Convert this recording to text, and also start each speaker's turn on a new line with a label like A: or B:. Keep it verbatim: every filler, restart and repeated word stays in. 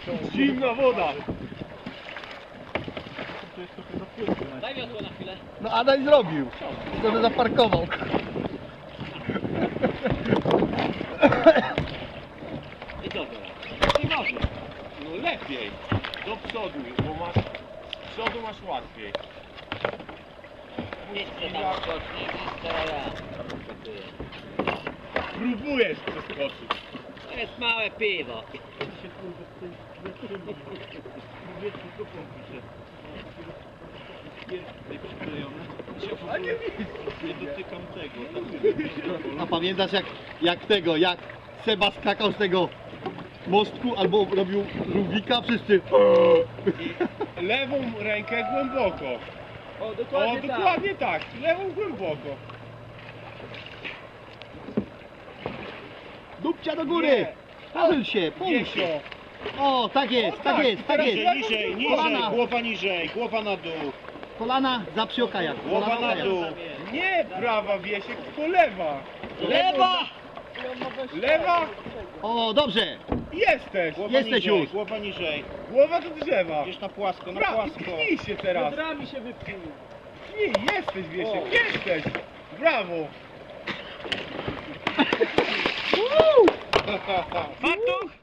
A: Zimna woda.
B: Daj wiosło na chwilę.
C: No Adaś zrobił. Sobie zaparkował.
B: I co teraz?
A: Nie ważne. No lepiej. Do przodu, bo masz... Z przodu masz łatwiej.
B: Jeszcze tam skocznie, jeszcze ja.
A: Próbujesz przeskoczyć.
B: To jest małe piwo.
A: A nie nie dotykam tego.
C: A pamiętasz jak, jak tego, jak Seba skakał z tego mostku albo robił Rubika, wszyscy...
A: Lewą rękę głęboko.
B: O,
A: O, dokładnie tak. Lewą głęboko.
C: Dupcia do góry!
A: Nie.
C: Pochyl się, pochyl
A: Wiesio.
C: się! O, tak jest,
A: O,
C: tak
A: tak,
C: jest, tak
A: teraz
C: jest!
A: niżej, niżej,
C: Kolana,
A: głowa niżej, głowa na dół.
C: kolana za przy okajach.
A: Głowa
C: kolana
A: na
C: okajach.
A: dół. Nie prawa Wiesiek, tylko lewa.
B: Lewa!
A: Lewa?
C: O, dobrze!
A: Jesteś.
D: Głowa
C: Jesteś
D: niżej,
C: już.
D: Głowa niżej.
A: Głowa do drzewa.
D: Gdzieś na płasko, na
A: Pra-
D: płasko.
A: Pchnij się teraz.
B: Biodrami się wypchnij.
A: Pchnij, jesteś Wiesiek, jesteś. Brawo.
B: Fartuch!